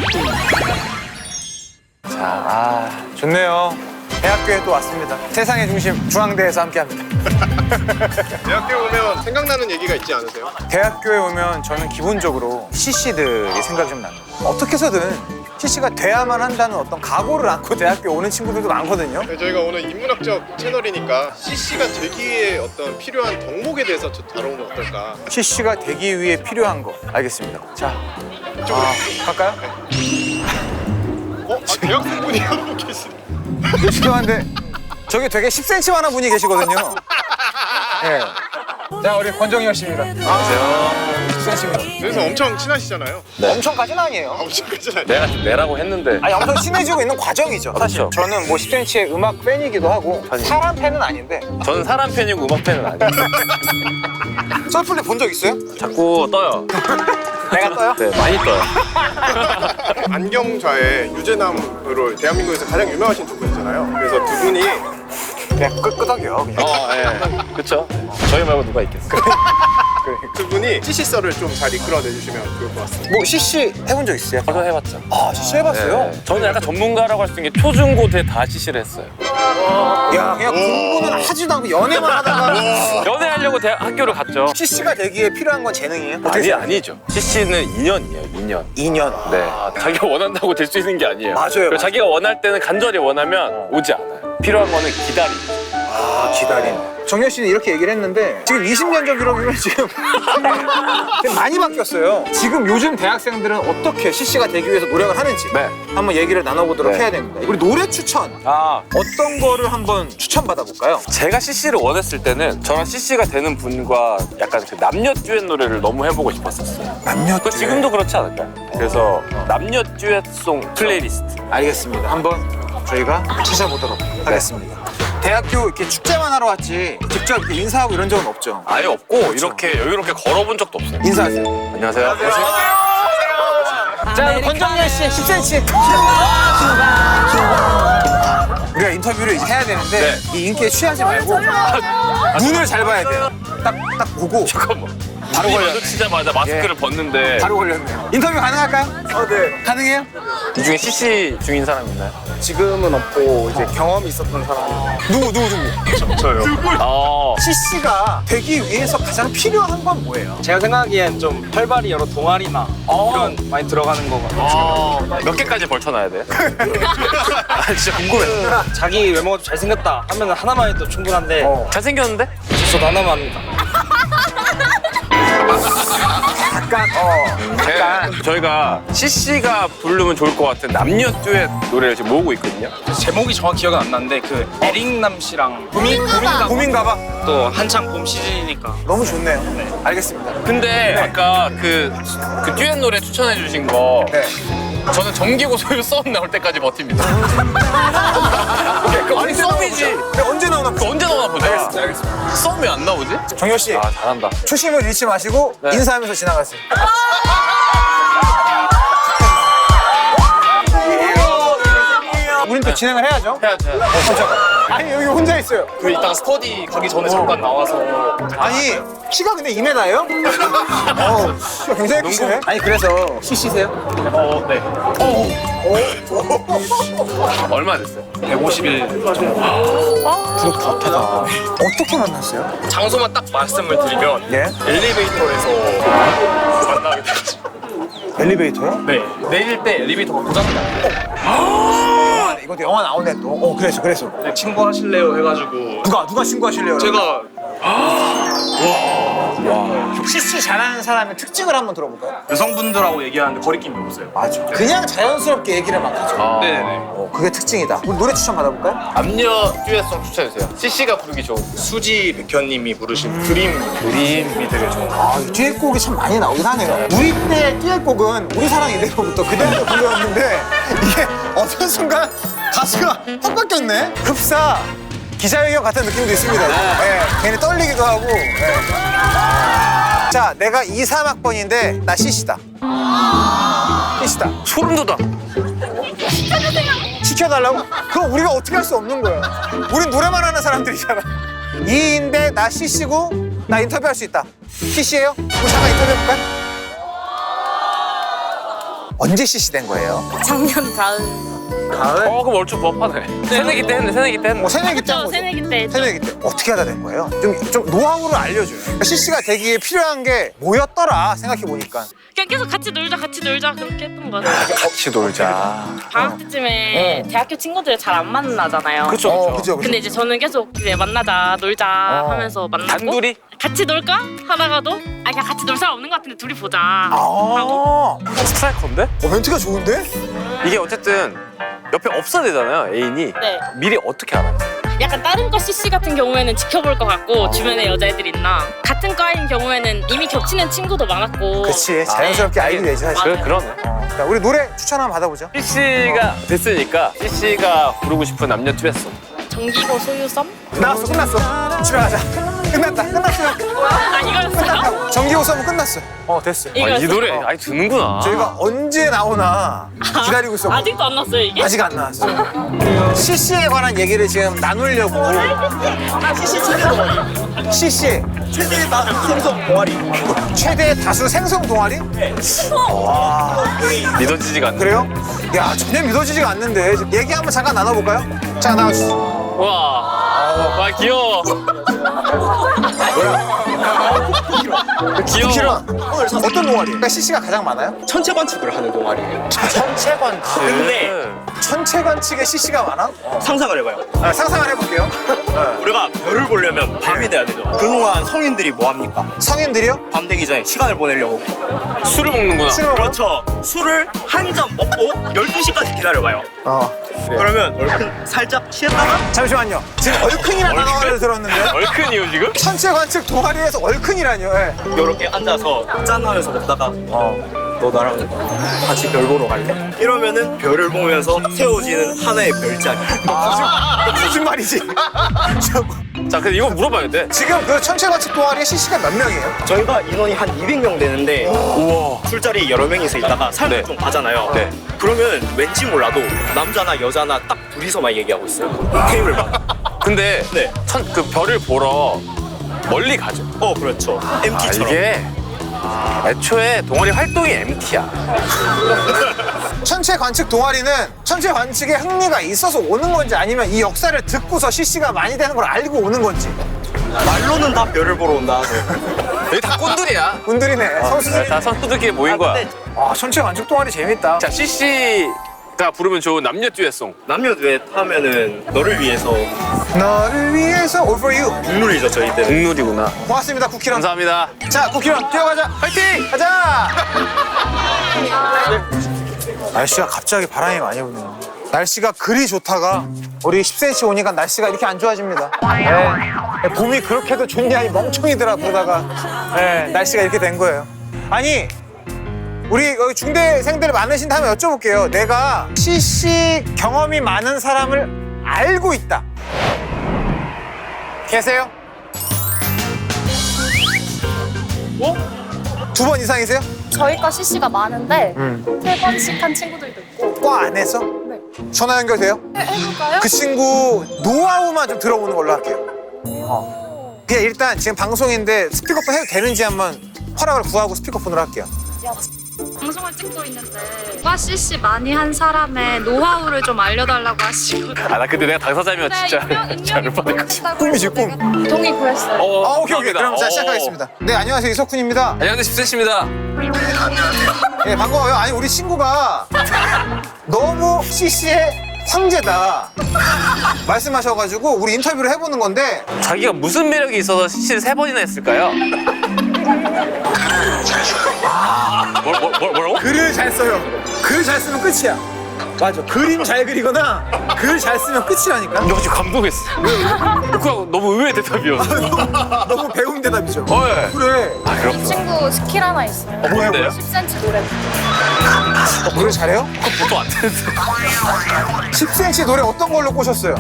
자, 좋네요. 대학교에 또 왔습니다. 세상의 중심 중앙대에서 함께합니다. 대학교에 오면 생각나는 얘기가 있지 않으세요? 대학교에 오면 저는 기본적으로 CC들이 생각이 좀 납니다. 어떻게 해서든 CC가 돼야만 한다는 어떤 각오를 안고 대학교에 오는 친구들도 많거든요. 네, 저희가 오늘 인문학적 채널이니까 CC가 되기 위해 어떤 필요한 덕목에 대해서 좀 다뤄보면 어떨까? CC가 되기 위해 필요한 거 알겠습니다. 자, 이쪽으로. 갈까요? 대학생분이 하고 계시네. 죄송한데 저기 되게 10cm 많은 분이 계시거든요. 네. 자, 우리 권정열 씨입니다. 안녕하세요. 10cm입니다. 그래서 엄청 친하시잖아요. 엄청까지는 아니에요. 엄청까지는 내가 좀 내라고 했는데. 아니, 엄청 친해지고 있는 과정이죠. 사실 그렇죠. 저는 뭐 10cm의 음악 팬이기도 하고 사람 팬은 아닌데. 저는 사람 팬이고 음악 팬은 아니에요. 썰풀리 본 적 있어요? 자꾸 떠요. 내가 떠요? 네, 많이 떠요. 안경좌의 유재남으로 대한민국에서 가장 유명하신 두 분이잖아요. 그래서 두 분이 그냥 끄덕여 그냥. 예. 그쵸? 저희 말고 누가 있겠어요? 두 분이 CC 썰을 좀 잘 이끌어내 주시면 좋을 것 같습니다. 뭐 CC 해본 적 있어요? 저도 해봤죠. 아, CC 해봤어요? 네. 저는 약간 전문가라고 할 수 있는 게 초중고대 다 CC를 했어요. 야, 그냥 공부는 하지도 않고 연애만 하다가 연애하려고 학교를 갔죠. CC가 되기에 필요한 건 재능이에요? 어떻게 생각해요? 아니죠. CC는 2년이에요, 2년. 2년. 네. 자기가 원한다고 될 수 있는 게 아니에요. 맞아요, 그리고 맞아요. 자기가 원할 때는 간절히 원하면 오지 않아요. 필요한 거는 기다림. 아, 기다림. 정열 씨는 이렇게 얘기를 했는데 지금 20년 전 기록이면 지금 많이 바뀌었어요. 지금 요즘 대학생들은 어떻게 CC가 되기 위해서 노력을 하는지 네. 한번 얘기를 나눠보도록 네. 해야 됩니다. 우리 노래 추천 어떤 거를 한번 추천받아 볼까요? 제가 CC를 원했을 때는 저랑 CC가 되는 분과 약간 그 남녀 듀엣 노래를 너무 해보고 싶었었어요. 남녀 그 지금도 그렇지 않을까요? 그래서 남녀 듀엣송 플레이리스트. 알겠습니다. 한번 저희가 찾아보도록 하겠습니다. 대학교 이렇게 축제만 하러 왔지 직접 이렇게 인사하고 이런 적은 없죠? 아예 없고 이렇게 여유롭게 걸어본 적도 없어요. 인사하세요. 안녕하세요. 자, 우리 권정열 씨 10cm. 우리가 인터뷰를 이제 해야 되는데 네. 이 인기에 취하지 말고 눈을 잘 봐야 돼요. 딱 보고 잠깐만. 바로 바로 걸렸네. 마주치자마자 마스크를 벗는데 바로 걸렸네요. 인터뷰 가능할까요? 네. 가능해요? 이 중에 CC 중인 사람 있나요? 지금은 없고 이제 경험이 있었던 사람이 누구? 저요. CC가 되기 위해서 가장 필요한 건 뭐예요? 제가 생각하기엔 좀 활발히 여러 동아리나 이런 많이 들어가는 거 같아요. 몇 개까지 벌쳐놔야 돼? 아, 진짜 궁금해. 자기 외모가 좀 잘생겼다 하면 하나만 해도 충분한데 잘생겼는데? 저도 하나만 합니다. 약간 저희가 CC가 부르면 좋을 것 같은 남녀 듀엣 노래를 지금 모으고 있거든요. 제목이 정확히 기억은 안 나는데 그 에릭남 씨랑 고민가봐. 또 한창 봄 시즌이니까 너무 좋네요. 알겠습니다. 근데 아까 그 듀엣 노래 추천해 주신 거 네. 저는 정기고 소유 썸 나올 때까지 버팁니다. 아니 썸이지. 근데 언제 나오나 보죠? 언제 나오나 보자. 알겠습니다. 썸이 안 나오지? 정열 씨 아 잘한다. 초심을 잃지 마시고 네. 인사하면서 지나가세요. 우린 또 진행을 해야죠. 해야죠. 아니, 여기 혼자 있어요. 그 이따가 스터디 가기 전에 잠깐 나와서 아니, 키가 근데 2m예요? 키가 굉장히 크시네. 아니, 그래서 CC세요? 네. 얼마 됐어요? 150일 정도. 어떻게 만났어요? 장소만 딱 말씀을 드리면 예? 엘리베이터에서 만나게 됐죠. 엘리베이터요? 네. 내릴 때 엘리베이터가 고장나. 아, 이것도 영화 나오네 또. 그래서. 네, 친구하실래요 해가지고 누가 신고하실래요? 제가 CC 잘하는 사람의 특징을 한번 들어볼까요? 여성분들하고 얘기하는데 거리낌이 없어요. 맞아. 그냥 자연스럽게 얘기를 막 하죠. 네네. 그게 특징이다. 우리 노래 추천 받아볼까요? 남녀 듀엣송 추천해주세요. CC가 부르기 좋은. 수지 백현님이 부르신 드림이 되게 좋은. 이 듀엣곡이 참 많이 나오긴 하네요. 우리 때 듀엣곡은 우리 사랑 이대로부터 그대로 불렸는데 이게 어떤 순간 가수가 확 바뀌었네. 흡사 기자회견 같은 느낌도 있습니다. 네, 괜히 떨리기도 하고. 네. 자, 내가 2, 3학번인데 나 CC다. CC다. 소름 돋아. 시켜달라고? 그럼 우리가 어떻게 할 수 없는 거야. 우린 노래만 하는 사람들이잖아. 2인데 나 CC고 나 인터뷰할 수 있다. CC예요? 우리 잠깐 인터뷰해볼까요? 언제 CC 된 거예요? 작년 가을. 가을? 그럼 얼추 부합하네. 새내기 때 했네, 새내기 때 했네. 새내기 때 한 저 거죠? 새내기 때 했죠. 새내기 때 어떻게 하다 된 거예요? 좀 노하우를 알려줘요. 그러니까 CC가 되기에 필요한 게 뭐였더라 생각해 보니까. 그냥 계속 같이 놀자 그렇게 했던 거 같아요. 같이 놀자. 방학 때쯤에 대학교 친구들 잘 안 만나잖아요. 그렇죠, 그죠. 근데 이제 저는 계속 이제 만나자 놀자 하면서 만나고 단둘이? 같이 놀까 하다가도 그냥 같이 놀 사람 없는 것 같은데 둘이 보자 하고 스트라이커인데? 멘트가 좋은데? 이게 어쨌든 옆에 없어야 되잖아요, 애인이. 네. 미리 어떻게 알아? 약간 다른 과 CC 같은 경우에는 지켜볼 것 같고 주변에 여자애들 있나 같은 과인 경우에는 이미 겹치는 친구도 많았고 그치 자연스럽게 알게 되지 사실. 맞아요. 그러네. 자, 우리 노래 추천 한번 받아보죠. CC가 됐으니까 CC가 부르고 싶은 남녀 듀엣송. 정기고 소유섬? 나왔어 끝났어. 집에 가자. 끝났어. 아 이거였어요? 정기호 수업은 끝났어. 됐어. 이 이거였어요? 노래 아니 듣는구나. 저희가 언제 나오나 기다리고 있었고 아직도 안 났어요 이게? 아직 안 나왔어요. CC에 관한 얘기를 지금 나누려고. CC 최대 다수 생성 동아리. 최대 다수 생성 동아리? 믿어지지가 않네. 그래요? 야 전혀 믿어지지가 않는데 얘기 한번 잠깐 나눠볼까요? 자 나와주세요. 와 귀여워. 귀여워. 키런 어떤 동아리? 그러니까 CC가 가장 많아요? 천체 관측을 하는 동아리예요. 천체 관측. 근데 천체 관측에 CC가 많아? 상상을 해봐요. 상상을 해볼게요. 우리가 별을 보려면 밤이 돼야 되죠. 그동안 성인들이 뭐 합니까? 성인들이요? 밤 되기 전에 시간을 보내려고. 술을 먹는구나. 술을 먹어요? 그렇죠. 술을 한 잔 먹고 12시까지 기다려봐요. 그러면 얼큰 살짝 취했다가 잠시만요. 지금 얼큰이라는 단어를 들었는데 얼큰이요 지금? 천체 관측 동아리에서 얼큰이라뇨. 예. 이렇게 앉아서 짠하면서 먹다가 너 나랑 같이 별 보러 갈래? 이러면은 별을 보면서 세워지는 하나의 별자리. 무슨 말이지? 자 근데 이거 물어봐야겠네. 지금 그 천체 관측 동아리에 CC가 몇 명이에요? 저희가 인원이 한 200명 되는데 우와. 술자리 여러 명이서 있다가 삶을 네. 좀 가잖아요. 네. 그러면 왠지 몰라도 남자나 여자나 딱 둘이서만 얘기하고 있어요. 테이블만. 근데 네. 그 별을 보러 멀리 가죠. 그렇죠. MT처럼. 이게 애초에 동아리 활동이 MT야. 천체 관측 동아리는 천체 관측에 흥미가 있어서 오는 건지 아니면 이 역사를 듣고서 CC가 많이 되는 걸 알고 오는 건지. 말로는 다 별을 보러 온다. 여기 다 꼰들이야. 분들이네. 선수들. 다 선수들끼리 모인 거야. 근데 천체 관측 동아리 재밌다. 자 CC가 부르면 좋은 남녀 듀엣송. 남녀 듀엣 하면은 너를 위해서 너를 위해서 All for you. 국룰이죠 저희 때는. 국룰이구나. 고맙습니다 쿠키런. 감사합니다. 자 쿠키런 뛰어가자. 화이팅! 가자. 날씨가 갑자기 바람이 많이 부네요. 날씨가 그리 좋다가 우리 10cm 오니까 날씨가 이렇게 안 좋아집니다. 네. 봄이 그렇게도 좋냐 이 멍청이들아 그러다가 날씨가 이렇게 된 거예요. 아니 우리 여기 중대생들 많으신 다음에 여쭤볼게요. 내가 CC 경험이 많은 사람을 알고 있다. 계세요? 두 번 이상이세요? 저희과 CC가 많은데 3번씩 한 친구들도 있고. 과 안에서? 네. 전화 연결돼요? 해볼까요? 그 친구 노하우만 좀 들어보는 걸로 할게요. 그냥 일단 지금 방송인데 스피커폰 해도 되는지 한번 허락을 구하고 스피커폰으로 할게요. 방송을 찍고 있는데 과 CC 많이 한 사람의 노하우를 좀 알려달라고 하시고. 나 근데 내가 당사자면 진짜 잘을 뻔할 것 같아. 꿈이지, 꿈. 동의 구했어요. 오케이. 그럼 자 시작하겠습니다. 네, 안녕하세요. 이석훈입니다. 안녕하세요 10cm입니다. 네, 반가워요. 아니, 우리 친구가 너무 CC의 황제다 말씀하셔가지고 우리 인터뷰를 해보는 건데 자기가 무슨 매력이 있어서 CC를 3번이나 했을까요? 뭐라고? 글을 잘 써요. 글 잘 쓰면 끝이야. 맞아. 그림 잘 그리거나 글 잘 쓰면 끝이라니까. 너 지금 감동했어. 그거 너무 의외의 대답이었어. 너무 배운 대답이죠. 예. 그래. 이 친구 스킬 하나 있어요. 뭔데요? 10cm 노래. 노래 잘해요? 보통 안 되는데. 10cm 노래 어떤 걸로 꼬셨어요?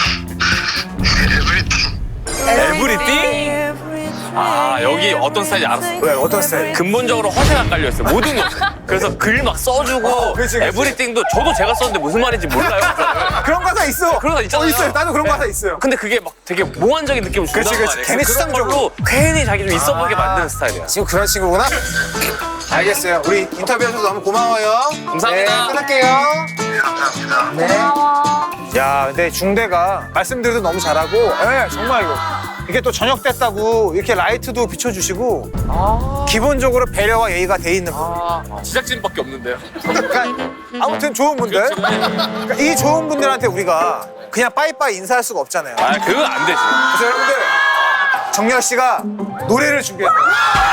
에브리띵? 여기 어떤 스타일인지 알았어. 왜? 어떤 스타일? 근본적으로 허세가 깔려있어요. 모든 것. 그래서 글 막 써주고 그치. 에브리띵도 저도 제가 썼는데 무슨 말인지 몰라요. 그런 가사 있어. 그런 가사 있잖아요. 있어요. 나도 그런 가사 있어요. 근데 그게 막 되게 몽환적인 느낌을 준단 그치. 말이에요. 괜히 그런 수상적으로. 걸로 괜히 자기 좀 있어 보이게 만드는 스타일이야. 지금 그런 친구구나? 알겠어요. 우리 인터뷰해줘서 너무 고마워요. 감사합니다. 네, 끊을게요. 네. 야, 근데 중대가 말씀드려도 너무 잘하고, 네, 정말 이게 또 저녁 됐다고 이렇게 라이트도 비춰주시고, 기본적으로 배려와 예의가 돼 있는 분. 제작진밖에 없는데요. 그러니까 아무튼 좋은 분들. 그러니까 이 좋은 분들한테 우리가 그냥 빠이빠이 인사할 수가 없잖아요. 아, 그거 안 되지. 그래서 여러분들, 정렬 씨가 노래를 준비했어요.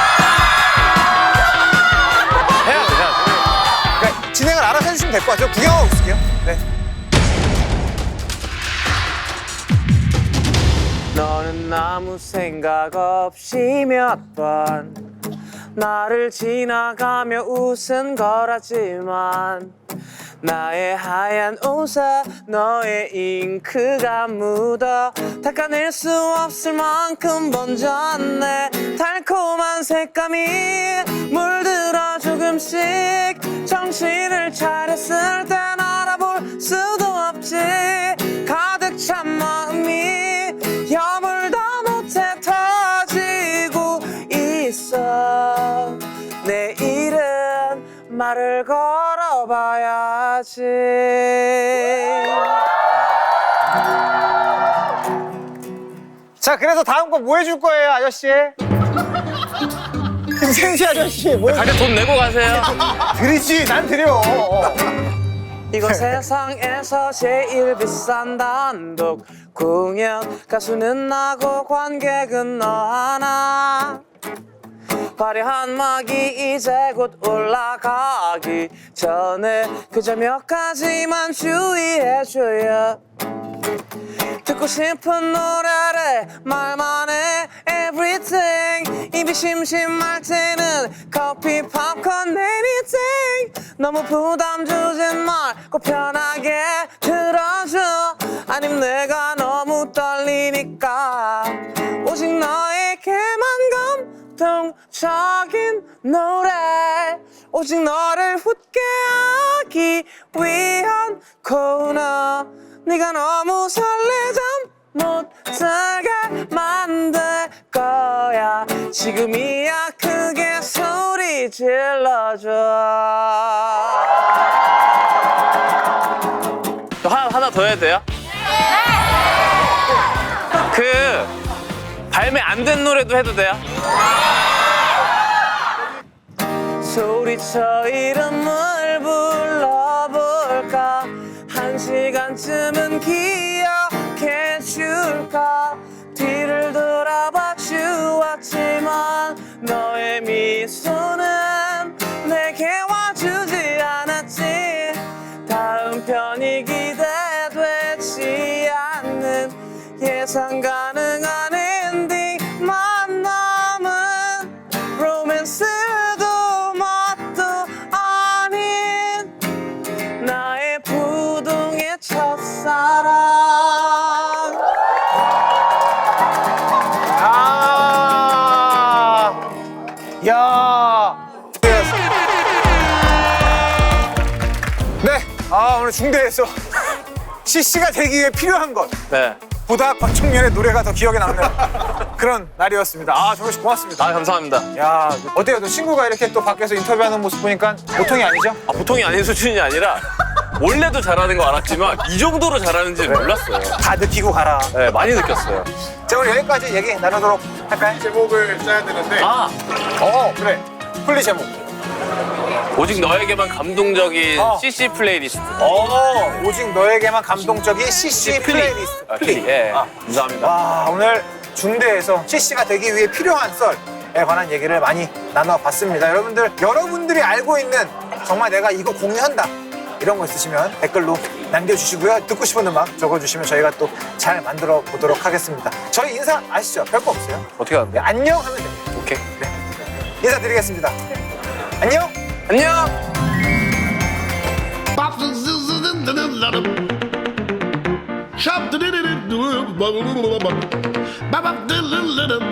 해야 돼. 그러니까 진행을 알아서 해주시면 될 것 같아요. 구경하고 있을게요. 네. 너는 아무 생각 없이 몇 번 나를 지나가며 웃은 거라지만 나의 하얀 옷에 너의 잉크가 묻어 닦아낼 수 없을 만큼 번졌네. 달콤한 색감이 물들어 조금씩 정신을 차렸을 땐 알아볼 수도 없지. 가득 찬 마음이 여물다 못해 터지고 있어. 내일은 말을 걸어봐야지. 자, 그래서 다음 거 뭐 해줄 거예요, 아저씨? 김생시 아저씨, 뭐 가게 돈 내고 가세요. 드리지, 난 드려. 이거 세상에서 제일 비싼 단독 공연. 가수는 나고 관객은 너 하나. 화려한 막이 이제 곧 올라가기 전에 그저 몇 가지만 주의해줘요. 듣고 싶은 노래를 말만 해 everything. 입이 심심할 때는 커피 팝콘 anything. 너무 부담 주진 말고 편하게 들어줘. 아님 내가 너무 떨리니까 오직 너에게만 감동적인 노래. 오직 너를 웃게 하기 위한 코너. 네가 너무 설레잠 못 자게 만들 거야. 지금이야 크게 소리 질러줘. 또 하나 더 해야 돼요? 그 발매 안 된 노래도 해도 돼요? 소리쳐 이름을 불러볼까. 한 시간쯤은 기억해 줄까. 뒤를 돌아봐 주었지만 너의 미소는 내게 와주지 않았지. 다음 편이 기대되지 않는 예상 가능한 엔딩만 남은 로맨스도 맛도 아닌 나의 부동의 첫사랑. 야. 네. 오늘 중대에서 CC가 되기 위해 필요한 것. 네. 보다 권총련의 노래가 더 기억에 남는 그런 날이었습니다. 정말 고맙습니다. 감사합니다. 야, 어때요? 너 친구가 이렇게 또 밖에서 인터뷰하는 모습 보니까 보통이 아니죠? 보통이 아닌 수준이 아니라 원래도 잘하는 거 알았지만 이 정도로 잘하는지 몰랐어요. 다 느끼고 가라. 네, 많이 느꼈어요. 자, 우리 여기까지 얘기 나누도록 할까요? 제목을 짜야 되는데 그래. 플리 제목. 오직 너에게만 감동적인 CC 플레이리스트. 오직 너에게만 감동적인 CC 플레이리스트. 플리. 예. 감사합니다. 와, 오늘 중대에서 CC가 되기 위해 필요한 썰에 관한 얘기를 많이 나눠봤습니다. 여러분들이 알고 있는 정말 내가 이거 공유한다 이런 거 있으시면 댓글로 남겨주시고요. 듣고 싶은 음악 적어주시면 저희가 또 잘 만들어 보도록 하겠습니다. 저희 인사 아시죠? 별거 없어요. 어떻게 하는데? 안녕 하면 됩니다. 오케이. 네. 인사드리겠습니다. 안녕. 안녕. Shop